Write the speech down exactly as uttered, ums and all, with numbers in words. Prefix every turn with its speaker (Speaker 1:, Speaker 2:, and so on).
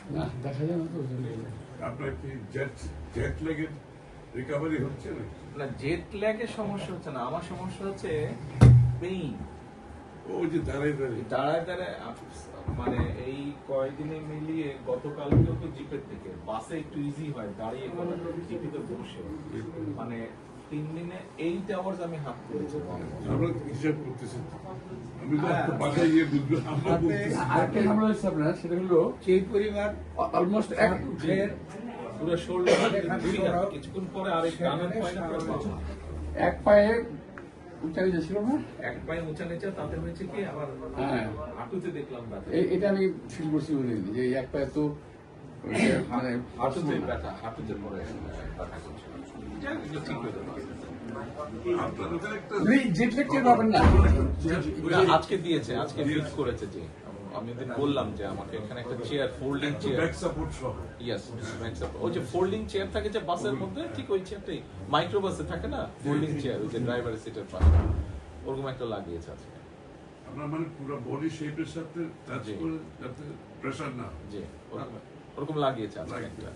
Speaker 1: না দেখা যায় না তো।
Speaker 2: আপনার কি জেট জেট ল্যাগের রিকভারি হচ্ছে না?
Speaker 3: না, জেট ল্যাগের সমস্যা হচ্ছে না, আমার সমস্যা হচ্ছে পেইন।
Speaker 2: ওই যে দাঁড়াই দাঁড়িয়ে
Speaker 3: দাঁড়ায় দাঁড়ায় মানে এই কয়েকদিনে মিলিয়ে গতকালকেও তো জিপের থেকে বাসে একটু ইজি হয়, দাঁড়িয়ে জিপিতে বসে মানে তিন দিনে এইট আওয়ার্স আমি হাত করেছি।
Speaker 2: আমরা হিসাব করতেছি, আমি তো বাসায় গিয়ে বুঝবো। আমরা বলতেছি
Speaker 1: আরেকটা ঝামেলা হচ্ছে আপনার, সেটা হলো
Speaker 4: সেই পরিবার
Speaker 1: অলমোস্ট এক
Speaker 4: ফের
Speaker 3: পুরো শোল্ডার কিছুক্ষণ পরে আরেক ডানের পায়টা পুরো বাঁকা।
Speaker 1: এক পায়ে উঁচা হয়ে ছিল না।
Speaker 3: এক পায়ে উঁচা নিচে, তাতে হয়েছে কি আবার
Speaker 1: হ্যাঁ,
Speaker 3: হাঁটুতে দেখলাম ব্যথা।
Speaker 1: এ- এটা আমি ফিল করছি বলে যে এই এক পায়ে তো ওই যে মানে
Speaker 3: হাঁটুতে ব্যথা, হাঁটুতে পরে ব্যথা করছে। যাই হোক, এগুলো ঠিক হয়ে যাবে।
Speaker 2: আপনার ওখানে একটা
Speaker 1: জেট ল্যাগ টের পাবেন না।
Speaker 3: না, আজকে দিয়েছে, আজকে ফিট করেছে। যে আমি ওদের বললাম যে আমাকে এখানে একটা chair, folding chair,
Speaker 2: back support সহ
Speaker 3: ইয়েস, ওই যে ফোল্ডিং চেয়ার থাকে যে বাসের মধ্যে, ঠিক ওই চেয়ারটাই মাইক্রো বাসে থাকে না, ফোল্ডিং চেয়ার, ওই যে ড্রাইভারের সিটের পাশে, ওরকম একটা লাগিয়েছে আজকে।
Speaker 2: আপনার মানে পুরো বডি শেপের সাথে টাচ
Speaker 3: জি।
Speaker 2: করে যাতে প্রেসার না হয়।
Speaker 3: জি, ওরকম ওরকম লাগিয়েছে আজকে একটা।